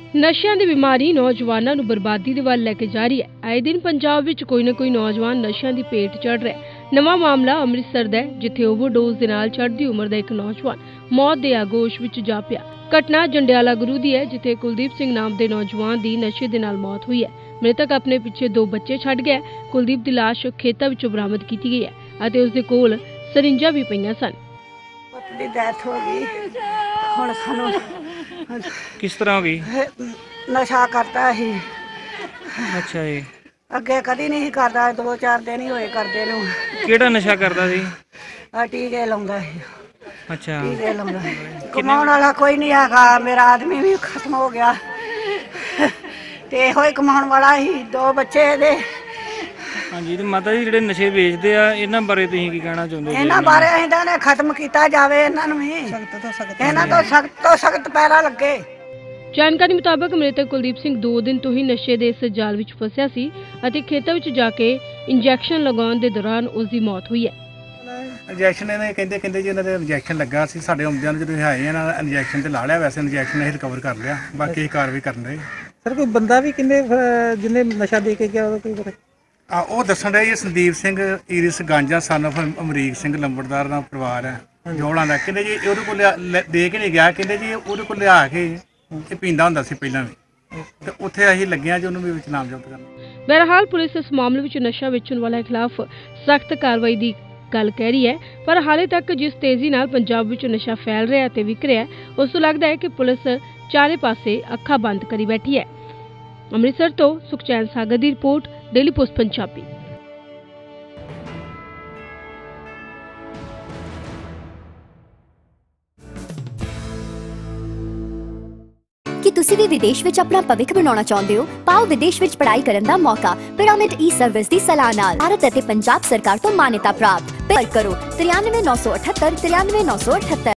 ਨਸ਼ਿਆਂ ਦੀ ਬਿਮਾਰੀ ਨੌਜਵਾਨਾਂ ਨੂੰ ਬਰਬਾਦੀ ਦੇ ਵੱਲ ਲੈ ਕੇ ਜਾ ਰਹੀ ਹੈ। ਆਏ ਦਿਨ ਪੰਜਾਬ ਵਿੱਚ ਕੋਈ ਨਾ ਕੋਈ ਨੌਜਵਾਨ ਨਸ਼ਿਆਂ ਦੀ ਭੇਟ ਚੜ੍ਹ ਰਿਹਾ ਹੈ। ਨਵਾਂ ਮਾਮਲਾ ਅੰਮ੍ਰਿਤਸਰ ਦਾ ਹੈ, ਜਿੱਥੇ ਓਵਰਡੋਜ਼ ਦੇ ਨਾਲ ਚੜ੍ਹਦੀ ਉਮਰ ਦਾ ਇੱਕ ਨੌਜਵਾਨ ਮੌਤ ਦੇ ਆਗੋਸ਼ ਵਿੱਚ ਜਾ ਪਿਆ। ਘਟਨਾ ਜੰਡਿਆਲਾ ਗੁਰੂ ਦੀ ਹੈ, ਜਿੱਥੇ ਕੁਲਦੀਪ ਸਿੰਘ ਨਾਮ ਦੇ ਨੌਜਵਾਨ ਦੀ ਨਸ਼ੇ ਦੇ ਨਾਲ ਮੌਤ ਹੋਈ ਹੈ। ਮ੍ਰਿਤਕ ਆਪਣੇ ਪਿੱਛੇ 2 ਬੱਚੇ ਛੱਡ ਗਿਆ। ਕੁਲਦੀਪ ਦੀ ਲਾਸ਼ ਖੇਤਾਂ ਵਿੱਚੋਂ ਬਰਾਮਦ ਕੀਤੀ ਗਈ ਹੈ ਅਤੇ ਉਸ ਦੇ ਕੋਲ ਸਰਿੰਜਾਂ ਵੀ ਪਈਆਂ ਸਨ। ਪੁੱਤ ਦੀ ਡੈਥ ਹੋ ਗਈ। ਹੁਣ ਸਾਨੂੰ किस तरह हो गई? ਨਸ਼ਾ ਕਰਦਾ ਸੀ। अच्छा जी। ਅੱਗੇ ਕਦੀ ਨਹੀਂ ਕਰਦਾ, 2-4 ਦਿਨ ਹੀ ਹੋਏ ਕਰਦੇ ਨੂੰ। ਕਿਹੜਾ ਨਸ਼ਾ ਕਰਦਾ ਸੀ? ਆ ਟੀਕੇ ਲਾਉਂਦਾ ਸੀ। ਅੱਛਾ। ਟੀਕੇ ਲਾਉਂਦਾ ਕਮਾਉਣ ਵਾਲਾ ਕੋਈ ਨਹੀਂ ਹੈਗਾ। ਮੇਰਾ ਆਦਮੀ ਵੀ ਖਤਮ ਹੋ ਗਿਆ ਤੇ ਇਹੋ ਹੀ ਕਮਾਉਣ ਵਾਲਾ ਹੀ। 2 ਬੱਚੇ ਇਹਦੇ। ਹਾਂਜੀ ਤੇ ਮਾਤਾ ਜੀ ਜਿਹੜੇ ਨਸ਼ੇ ਵੇਚਦੇ ਆ ਇਹਨਾਂ ਬਾਰੇ ਤੁਸੀਂ ਕੀ ਕਹਿਣਾ ਚਾਹੁੰਦੇ ਹੋ? ਇਹਨਾਂ ਬਾਰੇ ਇਹਨਾਂ ਨੇ ਖਤਮ ਕੀਤਾ ਜਾਵੇ। ਇਹਨਾਂ ਨੂੰ ਵੀ ਇਹਨਾਂ ਤੋਂ ਸਖਤ ਪੈਰਾ ਲੱਗੇ। ਜਾਣਕਾਰੀ ਮੁਤਾਬਕ ਮ੍ਰਿਤਕ ਕੁਲਦੀਪ ਸਿੰਘ 2 ਦਿਨ ਤੋਂ ਹੀ ਨਸ਼ੇ ਦੇ ਇਸ ਜਾਲ ਵਿੱਚ ਫਸਿਆ ਸੀ ਅਤੇ ਖੇਤਾਂ ਵਿੱਚ ਜਾ ਕੇ ਇੰਜੈਕਸ਼ਨ ਲਗਾਉਣ ਦੇ ਦੌਰਾਨ ਉਸ ਦੀ ਮੌਤ ਹੋਈ ਹੈ। ਇੰਜੈਕਸ਼ਨ ਇਹਨੇ ਕਹਿੰਦੇ ਜੀ ਇਹਨਾਂ ਦੇ ਇੰਜੈਕਸ਼ਨ ਲੱਗਾ ਸੀ। ਸਾਡੇ ਆਉਂਦਿਆਂ ਨੂੰ ਜਦੋਂ ਆਏ ਇਹਨਾਂ ਇੰਜੈਕਸ਼ਨ ਤੇ ਲਾ ਲਿਆ। ਵੈਸੇ ਇੰਜੈਕਸ਼ਨ ਅਸੀਂ ਰਿਕਵਰ ਕਰ ਲਿਆ। ਬਾਕੀ ਅਸੀਂ ਕਾਰਵਾਈ ਕਰਨ ਰਹੇ। ਸਰ ਕੋਈ ਬੰਦਾ ਵੀ ਕਿੰਨੇ ਜਿਹਨੇ ਨਸ਼ਾ ਦੇ ਕੇ ਗਿਆ ਉਹਦਾ ਕੋਈ ਪਤਾ? ਉਹ ਦੱਸਣ ਰਿਹਾ ਜੀ ਸੰਦੀਪ ਸਿੰਘ ਈਰਿਸ ਗਾਂਜਾ ਸਨ ਆਫ ਅਮਰੀਕ ਸਿੰਘ ਲੰਬੜਦਾਰ ਦਾ ਪਰਿਵਾਰ ਹੈ ਜੋੜਾਂ ਦਾ। ਕਹਿੰਦੇ ਜੀ ਉਹਦੇ ਕੋਲ ਦੇ ਕੇ ਨਹੀਂ ਗਿਆ। ਕਹਿੰਦੇ ਜੀ ਉਹਦੇ ਕੋਲ ਲਿਆ ਕੇ ਇਹ ਪੀਂਦਾ ਹੁੰਦਾ ਸੀ ਪਹਿਲਾਂ ਵੀ, ਤੇ ਉੱਥੇ ਅਸੀਂ ਲੱਗਿਆ ਜੀ ਉਹਨੂੰ ਵੀ ਵਿੱਚ ਨਾਮਜ਼ਦ ਕਰਨ। ਬਹਰਹਾਲ ਪੁਲਿਸ ਇਸ ਮਾਮਲੇ ਵਿੱਚ ਨਸ਼ਾ ਵੇਚਣ ਵਾਲਿਆਂ ਖਿਲਾਫ ਸਖਤ ਕਾਰਵਾਈ ਦੀ ਗੱਲ ਕਹਿ ਰਹੀ ਹੈ, ਪਰ ਹਾਲੇ ਤੱਕ ਜਿਸ ਤੇਜ਼ੀ ਨਾਲ ਪੰਜਾਬ ਵਿੱਚ ਨਸ਼ਾ ਫੈਲ ਰਿਹਾ ਤੇ ਵਿਕ ਰਿਹਾ, ਉਸ ਤੋਂ ਲੱਗਦਾ ਹੈ ਕਿ ਪੁਲਿਸ ਚਾਰੇ ਪਾਸੇ ਅੱਖਾਂ ਬੰਦ ਕਰੀ ਬੈਠੀ ਹੈ। ਅੰਮ੍ਰਿਤਸਰ ਤੋਂ ਸੁਖਚੈਨ ਸਾਗਰ ਦੀ ਰਿਪੋਰਟ, ਡੇਲੀ ਪੋਸਟ ਪੰਜਾਬੀ। ਕਿ ਤੁਸੀਂ ਵੀ ਵਿਦੇਸ਼ ਵਿੱਚ ਆਪਣਾ ਭਵਿੱਖ ਬਣਾਉਣਾ ਚਾਹੁੰਦੇ ਹੋ? ਪਾਓ ਵਿਦੇਸ਼ ਵਿੱਚ ਪੜ੍ਹਾਈ ਕਰਨ ਦਾ ਮੌਕਾ ਪਿਰਾਮਿਡ ਈ-ਸਰਵਿਸ ਦੀ ਸਲਾਹ ਨਾਲ। ਭਾਰਤ ਅਤੇ ਪੰਜਾਬ ਸਰਕਾਰ ਤੋਂ ਮਾਨਤਾ ਪ੍ਰਾਪਤ। ਕਾਲ ਕਰੋ 93 978 93 978।